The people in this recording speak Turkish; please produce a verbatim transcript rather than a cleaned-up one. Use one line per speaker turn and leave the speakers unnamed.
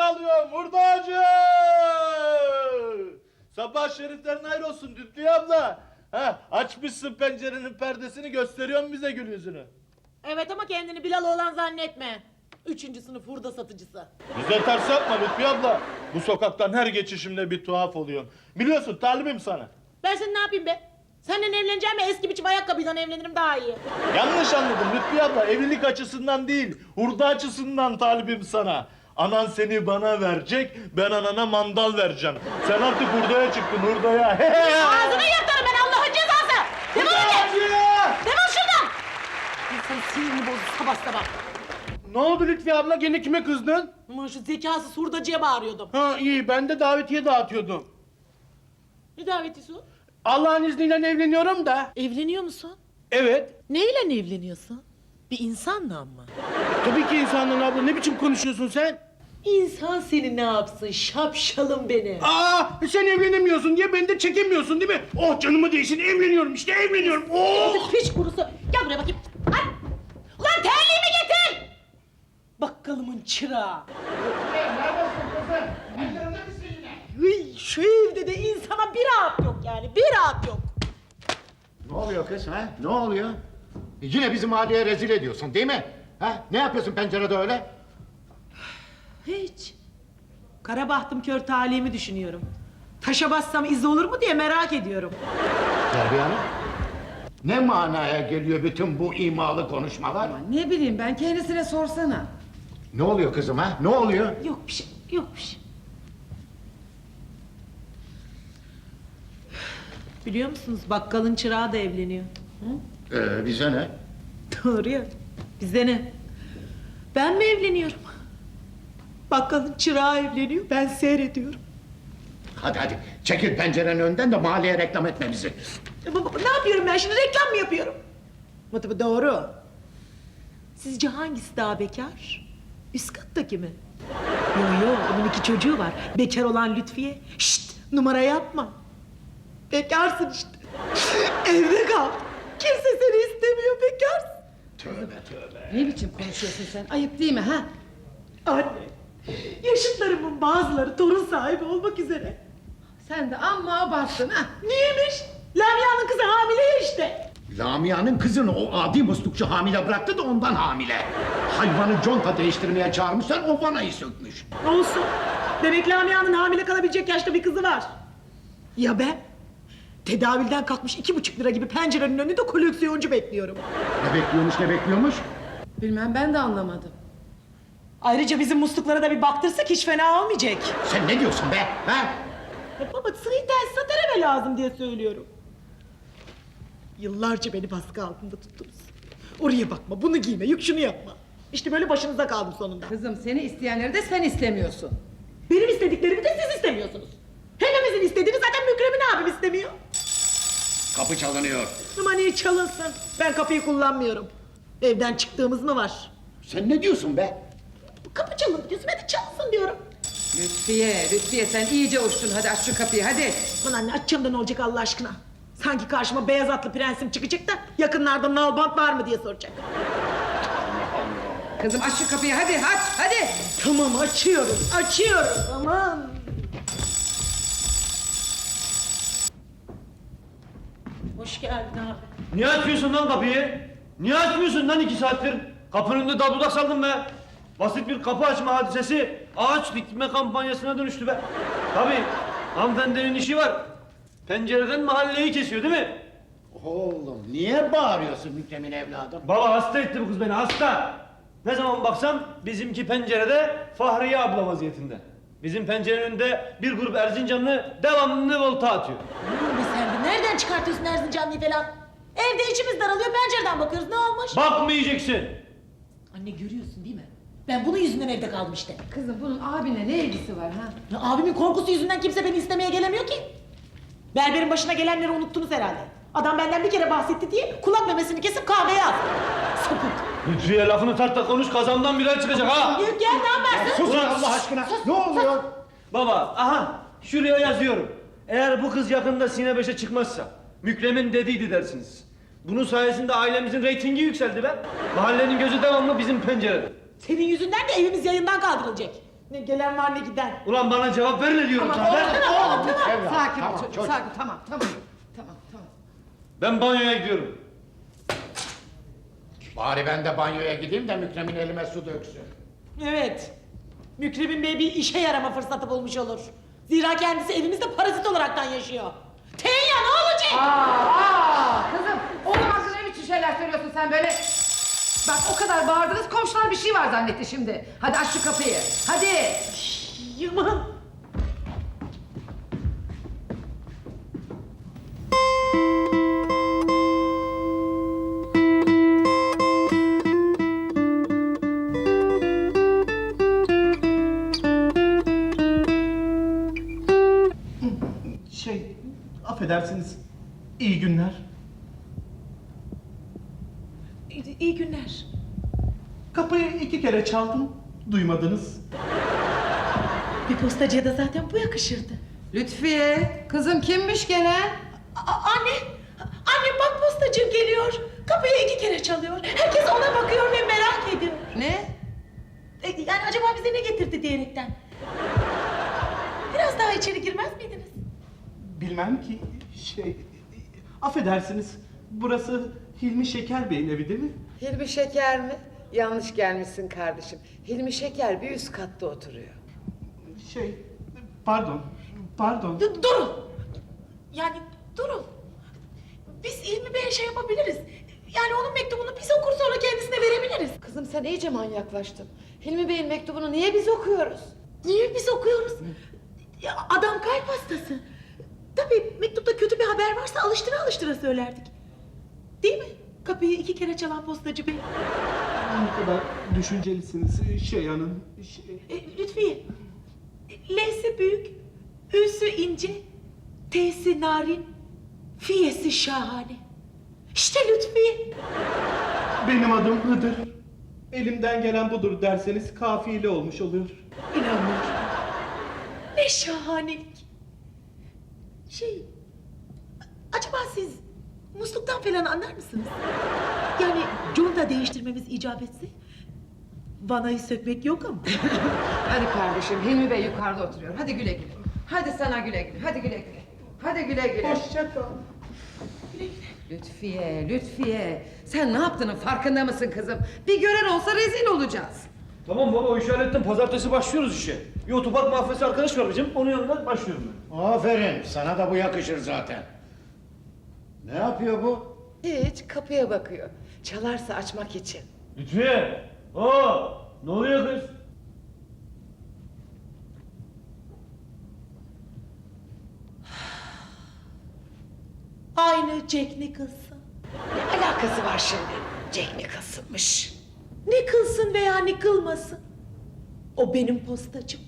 alıyorum hurdacı! Sabah şeriflerin hayır olsun Lütfiye abla. Ha, açmışsın pencerenin perdesini, gösteriyorsun bize gül yüzünü.
Evet ama kendini Bilal oğlan zannetme. Üçüncü sınıf hurda satıcısı.
Bize ters yapma Lütfiye abla. Bu sokaktan her geçişimde bir tuhaf oluyorsun. Biliyorsun talibim sana.
Ben seni ne yapayım be? Seninle evleneceğim mi eski biçim ayakkabıyla evlenirim daha iyi.
Yanlış anladım Lütfiye abla. Evlilik açısından değil, hurda açısından talibim sana. Anan seni bana verecek, ben anana mandal vereceğim. Sen artık hurdaya çıktın, hurdaya.
Ağzını yırtarım ben Allah'ın cezası! Defol git! Defol şuradan! İnsanın sinirini bozdu sabah sabah.
Ne oldu Lütfiye abla, gene kime kızdın?
Ama şu zekasız hurdacıya bağırıyordum.
Ha iyi, ben de davetiye dağıtıyordum.
Ne davetisi o?
Allah'ın izniyle evleniyorum da.
Evleniyor musun?
Evet.
Neyle evleniyorsun? Bir insanla mı?
Tabii ki insanla abla, ne biçim konuşuyorsun sen?
İnsan seni ne yapsın şapşalım beni.
Aa, sen evlenemiyorsun diye beni de çekemiyorsun değil mi? Oh canımı değsin, evleniyorum işte, evleniyorum. Oh!
Piç kurusu. Gel buraya bakayım. Ay! Ulan terliğimi getir! Bakkalımın çırağı. Hıy, şu evde de insana bir rahat yok yani, bir rahat yok.
Ne oluyor kız ha? Ne oluyor? E, Yine bizim mahalleye rezil ediyorsun değil mi? Ha? Ne yapıyorsun pencerede öyle?
Hiç. Kara bahtım kör talihimi düşünüyorum. Taşa bassam iz olur mu diye merak ediyorum.
Terbiye Hanım. Ne manaya geliyor bütün bu imalı konuşmalar?
Ne bileyim ben, kendisine sorsana.
Ne oluyor kızım ha? Ne oluyor?
Yok bir şey, yok bir şey. Biliyor musunuz bakkalın çırağı da evleniyor. Hı?
Ee, bize ne?
Doğru ya. Bize ne? Ben mi evleniyorum? Bakkalın çırağı evleniyor, ben seyrediyorum.
Hadi hadi çekil pencerenin önünden de mahalleye reklam etme bizi.
Ya baba, ne yapıyorum ben şimdi, reklam mı yapıyorum? Ama tabii doğru. Sizce hangisi daha bekar? Üst kattaki mi? Yo yo, onun iki çocuğu var. Bekar olan Lütfiye. Şşt, numara yapma. Bekarsın işte. Evde kal. Kimse seni istemiyor, bekarsın.
Tövbe tövbe.
Ne biçim konuşuyorsun sen? Ayıp değil mi ha?
Anne, yaşıtlarımın bazıları torun sahibi olmak üzere.
Sen de amma abarttın ha.
Neymiş? Lamia'nın kızı hamile ya işte.
Lamia'nın kızını o adi muslukçu hamile bıraktı da ondan hamile. Hayvanı conta değiştirmeye çağırmışlar, o vanayı sökmüş.
Olsun. Demek Lamia'nın hamile kalabilecek yaşta bir kızı var. Ya ben? Tedavülden kalkmış iki buçuk lira gibi pencerenin önünde koleksiyoncu bekliyorum.
Ne bekliyormuş ne bekliyormuş?
Bilmem, ben de anlamadım.
Ayrıca bizim musluklara da bir baktırsak hiç fena olmayacak.
Sen ne diyorsun be? Ha?
Ya baba sıhhi tesisat araba lazım diye söylüyorum. Yıllarca beni baskı altında tuttunuz. Oraya bakma, bunu giyme, yük şunu yapma. İşte böyle başınıza kaldım sonunda.
Kızım, seni isteyenleri de sen istemiyorsun.
Benim istediklerimi de siz istemiyorsunuz. Hepimizin istediğini zaten Mükremin abim istemiyor.
Kapı çalınıyor.
Ama niye çalınsın? Ben kapıyı kullanmıyorum. Evden çıktığımız mı var?
Sen ne diyorsun be?
Bu kapı çalın diyorsun, hadi çalsın diyorum.
Lütfiye, Lütfiye sen iyice uçtun. Hadi aç şu kapıyı hadi.
Aman anne, açacağım da ne olacak Allah aşkına? Sanki karşıma beyaz atlı prensim çıkacak da yakınlarda nalbant var mı diye soracak.
Kızım aç şu kapıyı hadi, aç hadi.
Tamam, açıyorum, açıyorum. Aman. Hoş geldin abi.
Niye açmıyorsun lan kapıyı? Niye açmıyorsun lan iki saattir? Kapının önünde dabuldak saldım be. Basit bir kapı açma hadisesi ağaç dikme kampanyasına dönüştü be. Tabii hanımefendinin işi var. Pencereden mahalleyi kesiyor değil mi?
Oğlum niye bağırıyorsun Mükremin evladım?
Baba hasta etti bu kız beni, hasta. Ne zaman baksam bizimki pencerede Fahriye abla vaziyetinde. Bizim pencerenin önünde bir grup Erzincanlı devamlı volta atıyor.
Ne sen de nereden çıkartıyorsun Erzincanlı'yı falan? Evde içimiz daralıyor, pencereden bakıyoruz, ne olmuş?
Bakmayacaksın.
Anne görüyorsun değil mi? Ben bunun yüzünden evde kaldım işte.
Kızım bunun abinle ne ilgisi var ha?
Ya abimin korkusu yüzünden kimse beni istemeye gelemiyor ki. Berberin başına gelenleri unuttunuz herhalde. Adam benden bir kere bahsetti diye kulak memesini kesip kahveye attı. Sapık.
Lütfiye lafını tart da konuş, kazandan birer çıkacak ha.
Gel, gel ne yaparsın?
Sus Allah aşkına. Ne oluyor?
Baba, aha şuraya yazıyorum. Eğer bu kız yakında Sine beşe çıkmazsa Mükremin dediydi dersiniz. Bunun sayesinde ailemizin reytingi yükseldi be. Mahallenin gözü devamlı bizim pencerede.
Senin yüzünden de evimiz yayından kaldırılacak. Ne gelen var ne giden.
Ulan bana cevap verme diyorum sana. Ver.
Evlat,
Sakin ol
tamam,
çocuk,
çocuk.
sakin. Tamam, tamam. Tamam, tamam.
Ben banyoya gidiyorum.
Bari ben de banyoya gideyim de Mükremin elime su döksün.
Evet. Mükremin Bey bir işe yarama fırsatı bulmuş olur. Zira kendisi evimizde parazit olaraktan yaşıyor. Tenya ne olacak?
Aa, aa, kızım, oğlum hakkında ne biçim şeyler söylüyorsun sen böyle? Bak o kadar bağırdınız, komşular bir şey var zannetti şimdi. Hadi aç şu kapıyı, hadi.
Yaman.
Şey, affedersiniz. İyi günler.
İyi, iyi günler.
Kapıyı iki kere çaldım. Duymadınız.
Bir postacıya da zaten bu yakışırdı.
Lütfiye, kızım kimmiş gene?
A- anne, anne bak postacım geliyor. Kapıyı iki kere çalıyor. Herkes ona bakıyor ve merak ediyor.
Ne?
E, yani acaba bize ne getirdi diyerekten. Biraz daha içeri girmez miydiniz?
Bilmem ki. Şey, affedersiniz. Burası Hilmi Şeker Bey'in evi değil mi?
Hilmi Şeker mi? Yanlış gelmişsin kardeşim. Hilmi Şeker bir üst katta oturuyor.
Şey, pardon. Pardon.
D- durun. Yani durun. Biz İlmi Bey'e şey yapabiliriz. Yani onun mektubunu biz okur sonra kendisine verebiliriz.
Kızım sen iyice manyaklaştın. Hilmi Bey'in mektubunu niye biz okuyoruz?
Niye biz okuyoruz? Ya adam kalp hastası. Tabii mektupta kötü bir haber varsa alıştıra alıştıra söylerdik. Değil mi? Kapıyı iki kere çalan postacı bey.
Ne kadar düşüncelisiniz şey hanım. Şey...
E, Lütfiye. L'si büyük, Ü'sü ince, T'si narin, Fi'si şahane. İşte Lütfiye.
Benim adım Hıdır. Elimden gelen budur derseniz kafiyeli olmuş oluyor.
İnanmıyorum. Ne şahanelik. Şey, acaba siz musluktan falan anlar mısınız? Yani conta değiştirmemiz icap etse, vanayı sökmek yok ama.
Hadi kardeşim Hilmi Bey yukarıda oturuyor. Hadi güle güle. Hadi sana güle güle. Hadi güle güle. Hadi güle güle.
Hoşça kal.
Lütfiye, Lütfiye. Sen ne yaptığının farkında mısın kızım? Bir gören olsa rezil olacağız.
Tamam baba o işi hallettim. Pazartesi başlıyoruz işe. Bir otopark mahfesi arkadaş var bizim. Onun yanına başlıyorum ben.
Aferin, sana da bu yakışır zaten. Ne yapıyor bu?
Hiç kapıya bakıyor. Çalarsa açmak için.
Lütfiye. Aa, ne oluyor kız?
Aynı Jack Nicholson.
Ne alakası var şimdi? Jack Nicholson'mış.
Ne kılsın veya ne kılmasın. O benim postacım.